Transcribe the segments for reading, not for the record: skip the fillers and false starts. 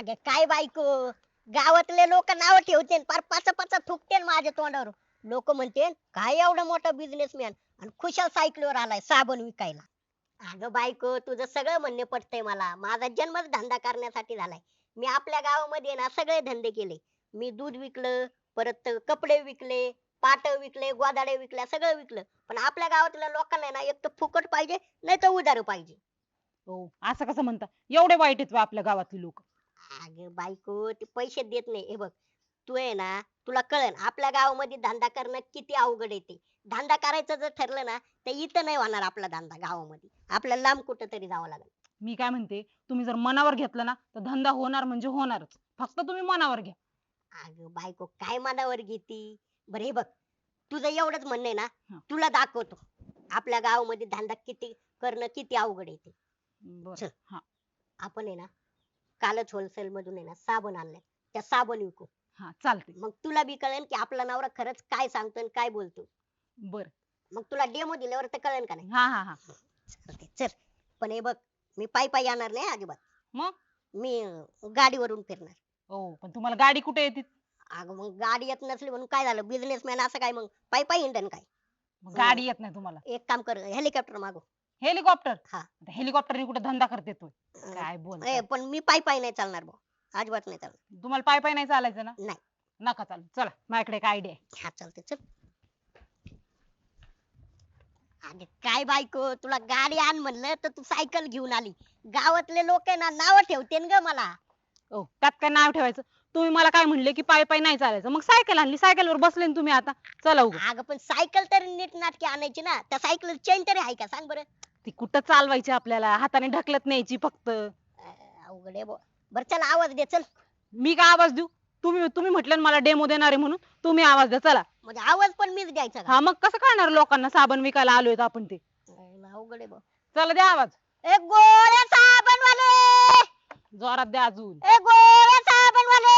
अगे काय बायको, गावातले लोक नाव ठेवते पार पाच पाच थुकते माझ्या तोंडावर. लोक म्हणते काय एवढा मोठा बिझनेसमॅन आणि खुशाल सायकलीवर आलाय साबण विकायला. अगं बायको, तुझं सगळं म्हणणे पटतंय मला. माझा जन्मच धंदा करण्यासाठी झालाय. मी आपल्या गावामध्ये ना सगळे धंदे केले. मी दूध विकलं, परत कपडे विकले, पाट विकले, गोदाडे विकल्या, सगळं विकलं. पण आपल्या गावातल्या लोकांना ना एक तर फुकट पाहिजे, नाही तर उधार पाहिजे. हो असं कसं म्हणता? एवढे वाईट आहेत व्हय आपल्या गावातली लोक? अगं बायको, ते पैसे देत नाही. हे बघ, तू आहे ना, तुला कळन आपल्या गावामध्ये धंदा करणं किती अवघड येते. धंदा करायचं जर ठरलं ना, तर इथं नाही होणार आपला धंदा गावामध्ये. आपल्याला लांब कुठं तरी जावं लागेल. मी काय म्हणते, तुम्ही जर मनावर घेतलं ना तर धंदा होणार म्हणजे होणारच. फक्त तुम्ही मनावर घ्या. अगं बायको, काय मनावर घेती? बरं हे बघ, तुझं एवढंच म्हणणं आहे ना, हं. तुला दाखवतो आपल्या गावामध्ये धंदा किती करणं किती अवघड येते. बर. चल. हा. आपण आहे ना, कालच होलसेल मधून आहे ना साबण आणलाय. त्या साबण विकू. हा चालते. मग तुला बी कळेल की आपला नवरा खरंच काय सांगतो आणि काय बोलतो. बर. मग तुला डेमो दिल्यावर तर कळेल का नाही. हा हा हा. चालतंय, चल. पण हे बघ, मी पायी पायी येणार नाही अजिबात. मग मी गाडीवरून फिरणार. हो पण तुम्हाला गाडी कुठे येते? अगं मग गाडी येत नसली म्हणून काय झालं, बिझनेसमॅन असं काय मग पायी पायी हिंडन काय. मग हं, गाडी येत नाही तुम्हाला? एक काम कर, हेलिकॉप्टर मागव. हेलिकॉप्टर? हा. हेलिकॉप्टर कुठे धंदा करते तो? काय ए बोलताय? पण मी पायी पायी नाही चालणार भाऊ. अजिबात नाही चालणार. तुम्हाला पाय पाय नाही चालायचं ना? नाही. नका चालू. चला माझ्याकडे एक आयडिया आहे. हा चालते, चल. अरे काय बायको, तुला गाडी आण म्हणलं तर तू सायकल घेऊन आली. गावातले लोक आहे ना नाव ठेवते ग मला. ओ त्यात काय नाव ठेवायचं? तुम्ही मला काय म्हणले की पाय पाय नाही चालायचं, मग सायकल आणली, सायकलवर बसले ना तुम्ही आता. चला उगा. अगं पण सायकल तरी नीट नाटकी आणायची ना. त्या सायकल चेन तरी आहे का सांग बरं. ती कुठं चालवायची आपल्याला? हाताने ढकलत न्यायची फक्त. अवघड आहे बुवा. बरं चल, आवाज दे चल. मी काय आवाज देऊ? तुम्ही तुम्ही म्हटलं ना मला डेमो देणार आहे म्हणून. तुम्ही आवाज द्या चला. म्हणजे आवाज पण मीच द्यायचा का? हा मग कसं कळणार लोकांना साबण विकायला आलोय आपण ते? अवघड आहे बुवा. चला द्या आवाज. ए गोळ्या साबण वाले, जोरात द्या अजून. ए गोळ्या साबण वाले.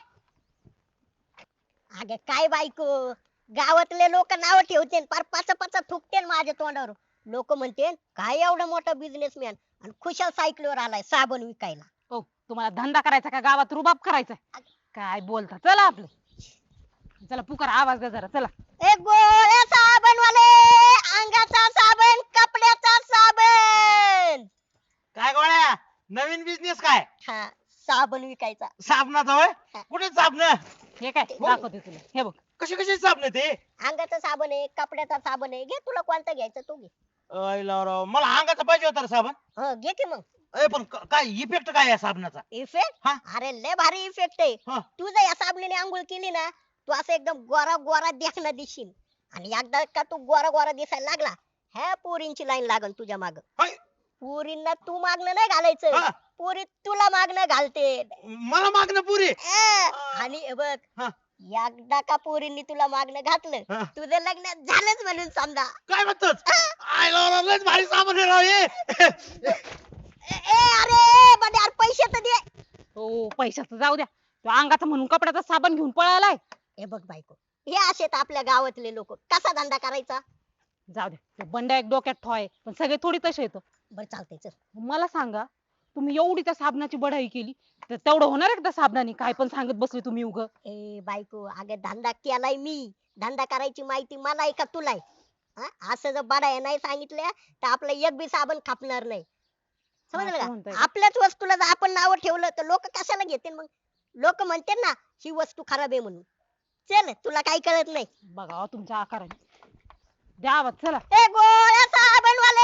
अगं काय बायको, गावातले लोक नाव ठेवते पार पाच पाच थुकते माझ्या तोंडावर. लोक म्हणते काय एवढा मोठा बिझनेसमॅन आणि खुशाल सायकलीवर आलाय साबण विकायला. ओ तुम्हाला धंदा करायचा का गावात रुबाब करायचा? काय बोलता? चला आपलं. चला पुकार आवाज द्या जरा चला. ए गोळ्या साबण वाले, अंगाचा साबण, कपड्याचा साबण. काय गोळ्या, नवीन बिझनेस काय? हा, साबण विकायचा. साबणाचा होय? कुठे साबण? हे काय दाखवते तुला, हे बघ. कशी कशी साबण ते? अंगाचा साबण आहे, कपड्याचा साबण आहे. घे, तुला कोणता घ्यायचा तो घे. अयला राव, मला अंगाचा पाहिजे होता रे साबण. हो घे की मग. पण काय इफेक्ट काय आहे साबणाचा? इफेक्ट? हा. अरे लय भारी इफेक्ट आहे. हा. तू जर या साबणीने आंघोळ केली ना, तू असं एकदम गोरा गोरा देखना दिसशील. आणि एकदा का तू गोरा गोरा दिसायला लागला, ह्या पोरींची लाईन लागल तुझ्या माग. हाय. पोरींना तू मागणं नाही घालायचं, हा. पोरी तुला मागणं घालते. मला मागणं पुरी. आणि हे बघ, हा. एकदा का पोरींनी तुला मागणं घातलं, हा. तुझं लग्न झालंच म्हणून समजा. काय म्हणतोस? आयला राव, लयच भारी साबण आहे राव हे. अरे बंड्या, यार पैसे तर दे. हो पैशाचं जाऊ द्या. तो अंगाचा म्हणून कपड्याचा साबण घेऊन पळालाय. हे बघ बायको, हे असेत आपल्या गावातले लोक. कसा धंदा करायचा? जाऊ द्या. ते बंड्या एक डोक्यात ठॉय, पण सगळे थोडी तसे येतं. बरं चालतंय, चल. मला सांगा, तुम्ही एवढी त्या साबणाची बढाई केली तर तेवढं होणार आहे का त्या साबणाने? काय पण सांगत बसले तुम्ही उग. ए बायको, अगं धंदा केलाय मी. धंदा करायची माहिती मला आहे का तुला आहे? हा? असं जर बडाया नाही सांगितल्या तर आपलं एक बी साबण खापणार नाही. समजलं असं का? म्हणताय. आपल्याच वस्तूला जर आपण नाव ठेवलं तर लोक कशाला घेतील मग? लोक म्हणते ना ही वस्तू खराब आहे म्हणून. चल, तुला काही कळत नाही. बघा तुमच्या आकाराने. द्या आवाज चला. ए गोळ्या साबण वाले,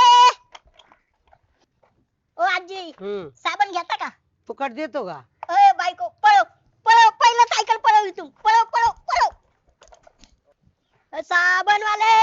ओ आजी, साबण घेता का? फुकट देतो का? ए बायको, पळव पळव, पहिलं सायकल पळव इथून. पळव पळव पळव. साबण वाले.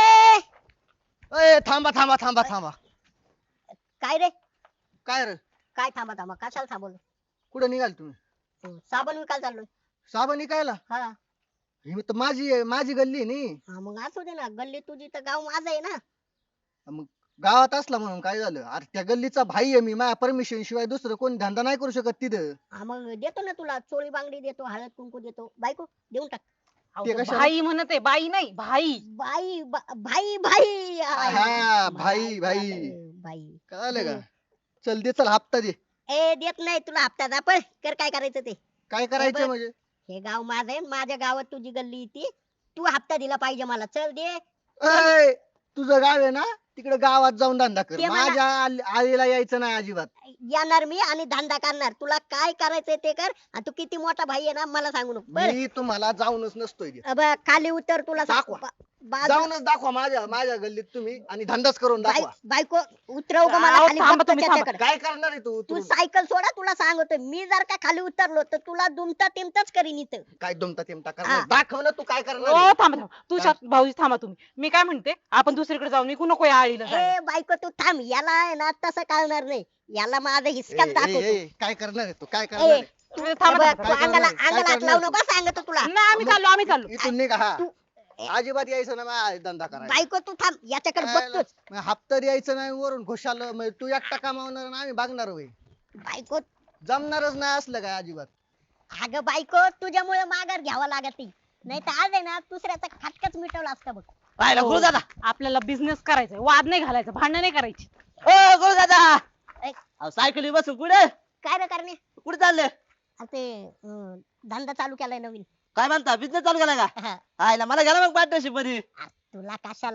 ए थांबा थांबा थांबा थांबा. काय रे? काय रे? काय थांबा थांबा, कशाला थांबवलं? कुठं निघाल तुम्ही? साबण विकायला चाललोय. साबण विकायला? हा. ही तर माझी गल्ली आहे नी. हा मग असू दे ना, गल्ली तुझी तर गाव माझं आहे ना. मग गावात असला म्हणून काय झालं? अरे त्या गल्लीचा भाई आहे मी, माझ्या परमिशन शिवाय दुसरं कोण धंदा नाही करू शकत तिथं. हा मग देतो ना तुला, चोळी बांगडी देतो, हळद कुंकू देतो. बायको देऊन टाक. अहो, ते तो कशाला? भाई म्हणत आहे, बाई नाही भाई. भाई भाई. हा, भाई भाई. बाई. कळालं का? चल दे, चल हप्ता दे. ए देत नाही तुला हप्ता पण कर काय करायचं ते. काय हे करायचं बघ, म्हणजे? हे गाव माझं आहे माझ्या गावात तुझी गल्ली येते. तू हप्ता दिला पाहिजे मला. चल दे. अय, तुझं गाव आहे ना, तिकडे गावात जाऊन धंदा कर. ते मला- माझ्या आईला यायचं नाही अजिबात. येणार मी आणि धंदा करणार. तुला काय करायचंय ते कर आणि तू किती मोठा भाई आहे ना मला सांगू नको बरं. मी तुम्हाला जाऊनच नसतोय देत. बघ खाली उतर तुला दाखवा. जाऊनच दाखवा माझ्या गल्लीत तुम्ही आणि धंदाच करून दाखवा. बायको उतरव ग मला अहो, खाली थांबा बघतो तुम्ही, थांबा. त्याच्याकडे. काय करणार आहे तू तू उतरून? सायकल सोडा तुला सांगतो मी जर का खाली उतरलो तर तुला दुमता तिमताच करीन इथं. काय दुमता तिमता हा. करणार? दाखव ना तू काय करणार ओ आहे. थांबा थांबा तू भाऊजी थांबा तुम्ही. मी काय म्हणते आपण दुसरीकडे जाऊ निघू नको या आळीला जायला. ए बायको तू थांब याला आहे ना तसं कळणार नाही. याला माझं ए, हिसकाच ए, दाखवतो. ए, काय करणार आहे तू? काय करणार ए आहे? तू थांबा, हे बघ, थांबा. तू काय अंगाला करणार? अंगाला हात काय लावू करणार? नको सांगतो तुला. नाही आम्ही चाललो इथून निघा. हा तू अजिबात यायचं ना माझ्या धंदा करायला. बायको तू थांब याच्याकडे बघतोच. हप्ता द्यायचं नाही वरून खुशाल तू एकटा कमावणार आणि आम्ही बघणार होय. बायको जमणारच नाही असलं काय अजिबात. अगं बायको तुझ्यामुळे माघार घ्यावा लागत नाही तर आज आहे ना दुसऱ्याचा खटकाच मिटवला असता बघ. पाहिलं हो. गुरुदादा आपल्याला बिझनेस करायचा वाद नाही घालायचा भांडण नाही करायची. ओ गुरुदादा ए, अहो सायकली बसून कुठे काय रे करणे कुठे चालले ते धंदा चालू केलाय नवीन. काय म्हणता बिझनेस चालू केला का हा. आयला मला घ्या ना मग पार्टनरशिप मध्ये. तुला कशाला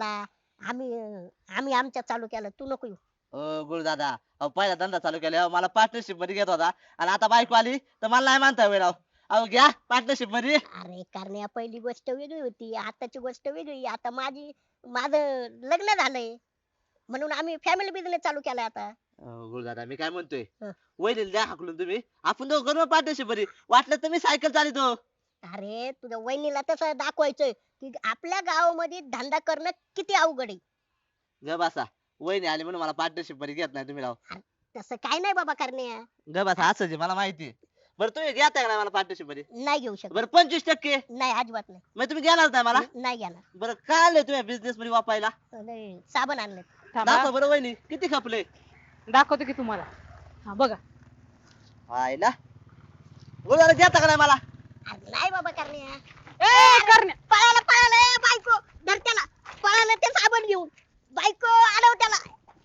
आम्ही आमच्या चालू केलं तू नको येऊ. ओ गुरुदादा अहो पहिला धंदा चालू केला मला पार्टनरशिप मध्ये घेत होता आणि आता बायको आली तर मला नाही म्हणता वेळ अहो घ्या पार्टनरशिप मध्ये. अरे करण्या पहिली गोष्ट वेगळी होती आताची गोष्ट वेगळी. आता माझं लग्न झालंय म्हणून आम्ही फॅमिली बिझनेस चालू केलाय आता. गुरुदादा मी काय म्हणतोय हं. वहिनीला द्या हाकलून तुम्ही आपण दोघं करू पार्टनरशिप मध्ये वाटलं तर मी सायकल चालितो. अरे तुझ्या वहिनीला तसं दाखवायचंय की आपल्या गावामध्ये धंदा करणं किती अवघड आहे. ग बसा वहिनी आली म्हणून मला पार्टनरशिप मध्ये घेत नाही तुम्ही राव. तसं काय नाही बाबा करण्या. ग बसा असं मला माहिती बरं तुम्ही घेताय का नाही मला पार्टनरशिप मध्ये. नाही घेऊ शकत. बरं 25% नाही अजिबात नाही. मग तुम्ही घेणार नाही मला. नाही घेणार. बरं काय आणलंय तुम्ही बिझनेस मध्ये वापरायला नाही, साबण आणले. थांबा दाखवा बरं वहिनी किती खपले. दाखवतो की तुम्हाला. हा बघा आयला गुरुदादा घेता का नाही मला. नाही बाबा करण्या. ए करण्या पळाला ए बायको धर त्याला. पळाला ते साबण घेऊन. बायको आडव त्याला.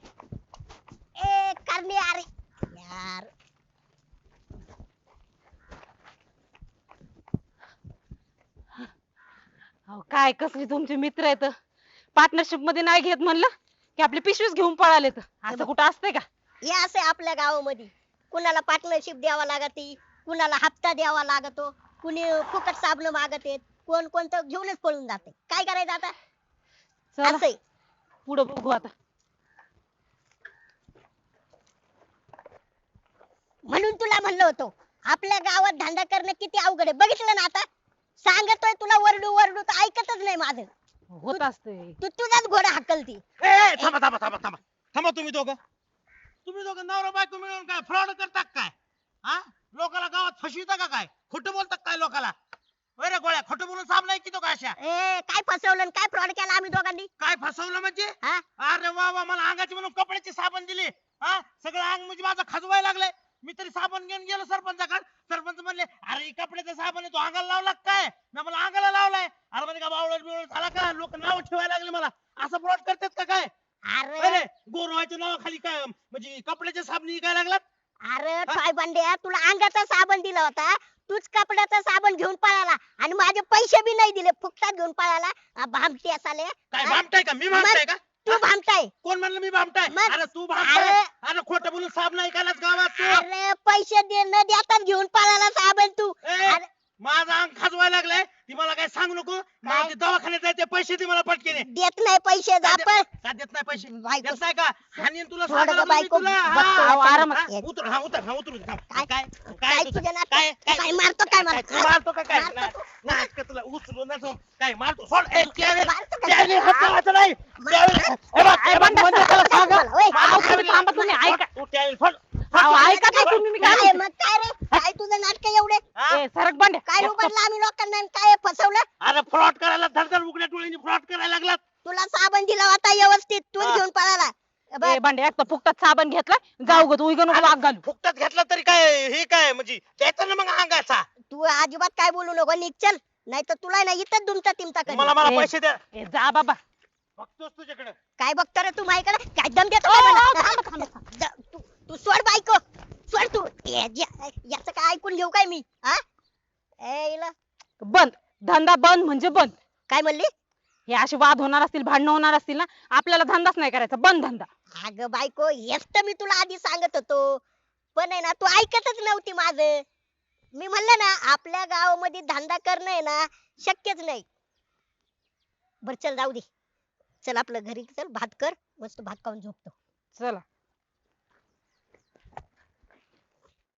ए करण्या अरे यार. अहो, काय कसली तुमचे मित्र आहेत पार्टनरशिप मध्ये नाही घेत म्हणलं की आपली पिशवीच घेऊन पळाले तर असं कुठं असतंय का. हे असे आपल्या गावामध्ये कुणाला पार्टनरशिप द्यावा लागते कुणाला हप्ता द्यावा लागतो कुणी फुकट साबण मागत आहेत कोण कोणतं घेऊनच पळून जाते. काय करायचं आता चला असंय. पुढं बघू आता. म्हणून तुला म्हणलं होतं आपल्या गावात धंदा करणं किती अवघड आहे. बघितलं ना आता सांगतोय तुला वरडू वरडू तर ऐकतच नाही माझं. होत असतंय. तू तुझाच घोडा हाकलती. ए, थांबा थांबा थांबा थांबा थांबा तुम्ही दोघं नवरा बायको मिळून काय फ्रॉड करता काय? हा लोकाला गावात फसविता का काय? खोटं बोलतात काय लोकाला? होय रे गोळ्या खोटं बोलून साम नाही की तो काय अशा? ए काय फसवलं आणि काय फ्रॉड केला आम्ही दोघांनी. काय फसवलं म्हणजे? हा अरे वा वा मला अंगाची म्हणून कपड्याची साबण दिली. हा सगळं अंग म्हणजे माझं खजवायला लागलंय. मी तरी साबण घेऊन गेलो सरपंचाकडे. सरपंच म्हणले अरे ही कपड्याचा साबण आहे तो अंगाला लावला का काय? मी मला अंगाला लावलाय. अरे म्हणजे का बावळट बिवळट झाला का? लोक नाव ठेवायला लागले मला. असं फ्रॉड करतात का काय? अरे अरे गोरवाच्या नावाखाली काय म्हणजे कपड्याच्या साबणी काय लागलात? अरे काय बंड्या तुला अंगाचा साबण दिला होता तूच कपड्याचा साबण घेऊन पळाला आणि माझे पैसे बी नाही दिले फुकटात घेऊन पळाला. भामटी असाले काय भामटाय का? मी भामटाय का? तू भामटाय. कोण म्हणलं मी भामटाय? मग- अरे तू भामटाय. अरे- अरे खोटं बोलून साब नाही कालाच गावात तू. अरे पैसे दे न देताच घेऊन पळाला साबण तू. ए, अरे माझा अंग खाजवायला लागलाय. ती मला काय सांगू नको. मला ते दवाखान्यात जायचे पैसे दे मला पटकेने. देत नाही पैसे जापळ. का देत नाही पैसे? बायको- देत नाही का? हाणीन तुला थोडं सांगायला गं बायको, तुला. बघतो हा, अहो, आरामात. हा, उतर हा उतर हा उतरू दे, थांब. काय? काय काय तुझं? तुझ्या नाटक? काय काय मारतो काय मला? तू मारतो का काय? मारतो तू? नाटक तुला उचलून ना जाऊन. काय मारतो सोड. ए, त्यावेळी- मारतो का? त्यावेळी हात लावायचा नाही. त्यावेळी- हे बघ, हे बघ, म्हणजे त्याला सांगा. ओय, अहो, तुम्ही थांबा तुम्ही ऐका. तू त्यावेळी सोड. अहो, ऐका काय तुम्ही मी काय काय म्हणते. मग काय रे काय तुझं नाटक एवढे हा? ए, सरक बांड्या. काय उघडलं आम्ही लोकांना आणि काय फसवलं. अरे फ्रॉड करायला धडधड उघड्या डोळ्यांनी फ्रॉड करायला लागलात. तुला साबण दिला होता व्यवस्थित तूच हा. घेऊन पळाला. बघ, ए बांड्या एक तर फुकटात साबण घेतलाय जाऊ ग तू इकडं नको वाघ घालू. फुकटात घेतला तरी काय हे काय म्हणजे द्यायचं ना मग अंगाचा. तू अजिबात काय बोलू नको निघ चल नाही तर तुला ना इथं दुमता तिमता कर. मला ए. पैसे द्या. ए जा बाबा. बघतोस तुझ्याकडे. काय बघतो रे तू माझ्याकडे काय दम देतो ओ, काय ओ, मला? थांबा, थांबा, थांबा. तू सोड बायको सोड तू याच काय ऐकून घेऊ काय मी हा हिला बंद. धंदा बंद म्हणजे बंद. काय म्हणली हे असे वाद होणार असतील, भांडणं होणार असतील ना, आपल्याला धंदाच नाही करायचा, बंद धंदा. अगं बायको हेच तर मी तुला आधी सांगत होतो पण आहे ना तू ऐकतच नव्हती माझं. मी म्हणलं ना आपल्या गावामध्ये धंदा करणं आहे ना शक्यच नाही. बर चल जाऊ दे. चल आपलं घरी चल भात कर मस्त भात खाऊन झोपतो. चला.